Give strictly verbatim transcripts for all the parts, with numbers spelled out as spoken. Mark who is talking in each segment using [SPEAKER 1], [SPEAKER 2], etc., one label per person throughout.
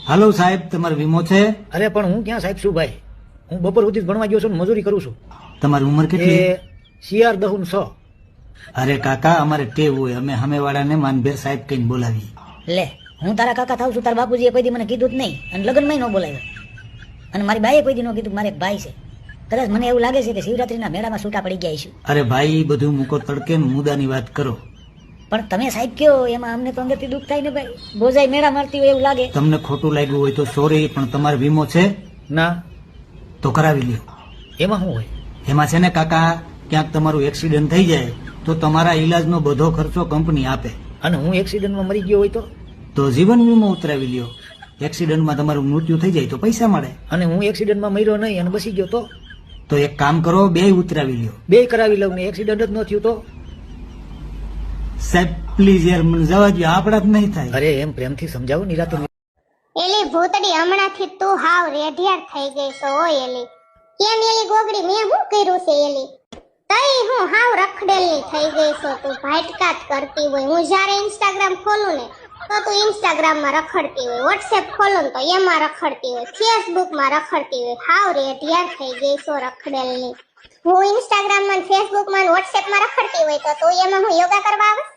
[SPEAKER 1] હાલો સાહેબ, તમારો વીમો છે?
[SPEAKER 2] અરે પણ હું ક્યાં સાહેબ છું ભાઈ, હું બપોર સુધી જ ભણવા ગયો છું ને મજૂરી કરું છું.
[SPEAKER 1] તમારી ઉંમર કેટલી?
[SPEAKER 2] એ સીઆર દહુન સો.
[SPEAKER 1] અરે કાકા, અમારે ટેવ હોય, અમે સામેવાળાને માનભેર સાહેબ કહીને બોલાવીએ.
[SPEAKER 3] લે, હું તારા કાકા થાવ છું, તારા બાપુજીએ કોઈ દી મને કીધું જ નહીં અને લગ્નમાં ન બોલાવ્યો. અને મારી બાઈએ કોઈ દી ન કીધું મારે એક ભાઈ છે. કદાચ મને એવું લાગે છે કે શિવરાત્રીના મેળામાં છૂટા પડી ગયા છે.
[SPEAKER 1] અરે ભાઈ, બધું મૂકો તડકે ને મુદ્દાની વાત કરો.
[SPEAKER 3] પણ તમે સાહેબ કયો એમાં અમને તો અંદરથી દુઃખ થાય ને ભાઈ. બોજાઈ મેળા મારતી હોય એવું લાગે.
[SPEAKER 1] તમને ખોટું લાગ્યું હોય તો સોરી, પણ તમારો વીમો છે?
[SPEAKER 2] ના.
[SPEAKER 1] તો કરાવી લ્યો.
[SPEAKER 2] એમાં શું હોય?
[SPEAKER 1] એમાં છે ને કાકા, ક્યાંક તમારું એક્સિડન્ટ થઈ જાય તો તમારા ઈલાજનો બધો ખર્ચો કંપની આપે.
[SPEAKER 2] અને હું એક્સિડન્ટમાં મરી ગયો હોય તો?
[SPEAKER 1] તો જીવન વીમો ઉતરાવી લ્યો. એક્સિડન્ટમાં તમારું મૃત્યુ થઈ જાય તો પૈસા મળે.
[SPEAKER 2] અને હું એક્સિડન્ટમાં મર્યો નહીં અને બસી ગયો તો?
[SPEAKER 1] તો એક કામ કરો, બે ઉતરાવી લ્યો.
[SPEAKER 2] બે કરાવી લઉં ને એક્સિડન્ટ જ ન થયું તો?
[SPEAKER 1] સાહેબ પ્લીઝ યાર, મને જવા દો, આપણા જ નહીં થાય.
[SPEAKER 2] અરે એમ પ્રેમથી સમજાવો નિરાતે.
[SPEAKER 4] એલી ભૂતડી, હમણાંથી તું હાવ રેઢિયાર થઈ ગઈ છો. ઓય એલી, કેમ એલી ગોગડી, મેં શું કર્યું છે એલી? તઈ હું હાવ રખડેલી થઈ ગઈ છો. તું ભાટકાત કરતી હોય. હું જ્યારે ઇન્સ્ટાગ્રામ ખોલું ને તો તું ઇન્સ્ટાગ્રામ માં રખડતી હોય, વોટ્સએપ ખોલું ને તો એમાં રખડતી હોય, ફેસબુક માં રખડતી હોય. હાવ રેઢિયાર થઈ ગઈ છો રખડેલી. હું ઇન્સ્ટાગ્રામ માં, ફેસબુક માં, વોટ્સએપ માં રખડતી હોય તો તું એમાં હું યોગા કરવા આવે?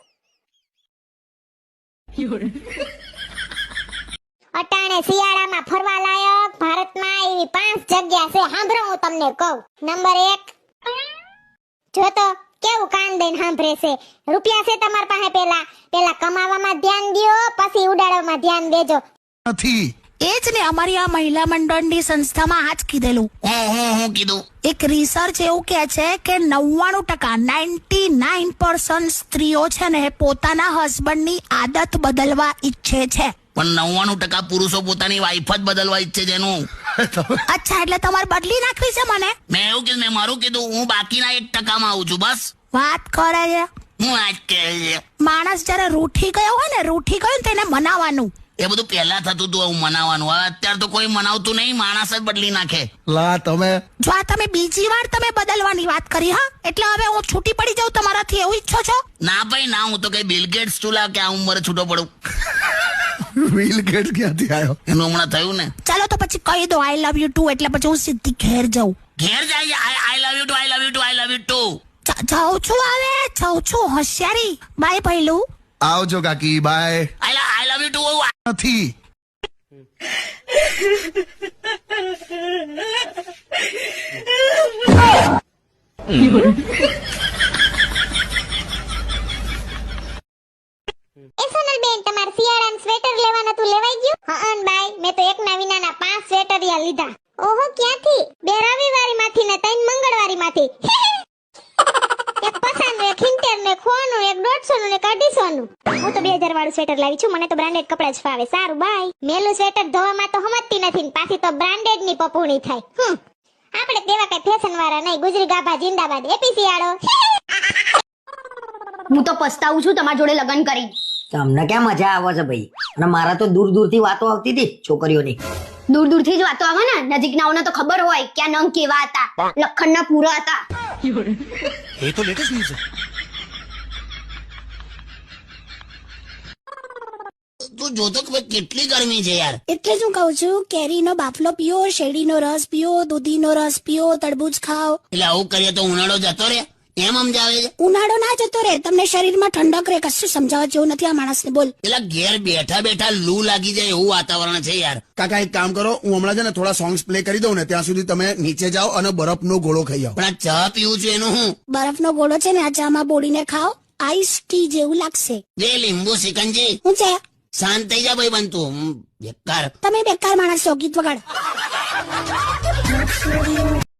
[SPEAKER 4] અટાણે શિયાળામાં ફરવા લાયક ભારતમાં એવી પાંચ જગ્યા છે. સાંભળો, હું તમને કહું. નંબર એક, જો તો કેવું કાન દઈને સાંભળે છે. રૂપિયા છે તમાર પાસે, પેલા પેલા કમાવામાં ધ્યાન દ્યો, પછી ઉડાડવામાં ધ્યાન દેજો.
[SPEAKER 5] નથી
[SPEAKER 6] એ જ ને, અમારી આ મહિલા મંડળની સંસ્થામાં આ જ કીધેલું.
[SPEAKER 5] હું હું હું કીધું?
[SPEAKER 6] એક રિસર્ચ એવું કે છે કે નવ્વાણું ટકા નાઇન્ટી નાઇન પર્સન્ટ સ્ત્રીઓ છે ને પોતાના હસબન્ડની આદત બદલવા ઈચ્છે છે.
[SPEAKER 5] પણ નવ્વાણું ટકા પુરુષો પોતાની વાઈફ જ બદલવા ઈચ્છે છે એનું.
[SPEAKER 6] અચ્છા, એટલે તમારે બદલી નાખવી છે મને?
[SPEAKER 5] મેં એવું કીધું, મેં મારું કીધું, હું બાકીના એક ટકામાં આવું છું બસ.
[SPEAKER 6] વાત કરે છે.
[SPEAKER 5] હું આજ કહે છે,
[SPEAKER 6] માણસ જયારે રૂઠી ગયો હોય ને, રૂઠી ગયો ને તેને મનાવાનું.
[SPEAKER 5] એ બધું પહેલા થતું હતું, હું મનાવાનું. હવે અત્યારે તો કોઈ મનાવતું નહીં, માણસ જ બદલી નાખે.
[SPEAKER 7] લા તમે
[SPEAKER 6] જો આ તમે બીજી વાર તમે બદલવાની વાત કરી, હા, એટલે હવે હું છૂટી પડી જાઉં તમારાથી એવું ઈચ્છો છો?
[SPEAKER 5] ના ભાઈ ના, હું તો કઈ બિલ ગેટ્સ ચૂલા કે આ ઉંમરે છૂટો પડું.
[SPEAKER 7] બિલ ગેટ્સ ક્યાંથી આવ્યો?
[SPEAKER 5] એનું હમણાં થયું ને.
[SPEAKER 6] ચાલો તો પછી કહી દો આઈ લવ યુ ટુ, એટલે પછી હું સીધી ઘેર જાઉં.
[SPEAKER 5] ઘેર જાય, I love you too, I love you too, I love you too.
[SPEAKER 6] જાઉં છું, હવે જાઉં છું. હોશિયારી. બાય ભઈલું.
[SPEAKER 7] આવજો કાકી, bye.
[SPEAKER 5] I love you too.
[SPEAKER 7] નથી
[SPEAKER 4] એ સોનલબેન, તમાર શિયાળાનું સ્વેટર લેવાનું હતું, લેવાઈ ગયું? હા બાય, મેં તો એક ના વિનાના પાંચ સ્વેટરિયા લીધા. ઓહો, ક્યાંથી? બે રવિવારીમાંથી ને ત્રણ મંગળવારીમાંથી. એક પસાનું, એક ઇન્ટર ને ખોનું, એક દોઢસો નું ને એક અઢીસો નું. હું તો બે હજાર વાળું સ્વેટર લાવી છું, મને તો બ્રાન્ડેડ કપડા જ ફાવે. સારું બાય. મેલું સ્વેટર ધોવામાં તો સમજતી નથી ને પાછી તો બ્રાન્ડેડ ની પપુણી થાય. હમ, આપણે તેવા કઈ ફેશન વાળા નહીં. ગુજરી ગાભા જિંદાબાદ. એપી શિયાળો.
[SPEAKER 8] હું તો પસ્તાવું છું તમારા જોડે લગ્ન કરી.
[SPEAKER 3] તમને ક્યાં મજા આવે છે ભાઈ? અને મારા તો દૂર દૂર થી વાતો આવતી હતી છોકરીઓની.
[SPEAKER 8] દૂર દૂર થી જ વાતો આવે ને, નજીક નાઓને તો ખબર હોય કે આ નંગ કેવા હતા, લખણ ના પૂરા હતા.
[SPEAKER 5] એ તો લેટેસ્ટ ન્યૂઝ છે. તું જોતો કે કેટલી ગરમી છે યાર.
[SPEAKER 6] એટલે શું કહું છું, કેરીનો બાફલો પીઓ, શેરડીનો રસ પીઓ, દૂધીનો રસ પીઓ, તરબૂચ ખાઓ.
[SPEAKER 5] એટલે આવું કરીએ તો ઉનાળો જતો રે એમ સમજાવે છે?
[SPEAKER 6] ઉનાળો ના જતો રે, તમને શરીરમાં ઠંડક રે. કશું સમજાવવા જેવું નથી આ માણસને. બોલ.
[SPEAKER 5] પેલા ઘેર બેઠા બેઠા લૂ લાગી જાય એવું વાતાવરણ છે યાર.
[SPEAKER 7] કાકા એક કામ કરો, હું હમણાં છે ને થોડા સોંગ્સ પ્લે કરી દઉં ને, ત્યાં સુધી તમે નીચે જાઓ અને બરફનો ગોળો ખાઈ આવો.
[SPEAKER 5] પણ આ ચા પીવું છું એનું હું?
[SPEAKER 6] બરફનો ગોળો છે ને આ ચામાં બોળીને ખાઓ, આઈસ ટી જેવું લાગશે.
[SPEAKER 5] જે લીંબુ સિકંજી.
[SPEAKER 6] હું છે?
[SPEAKER 5] શાંત થઈ જા ભાઈ બનતું બેકાર.
[SPEAKER 6] તમે બેકાર માણસ છો. ગીત વગાડ.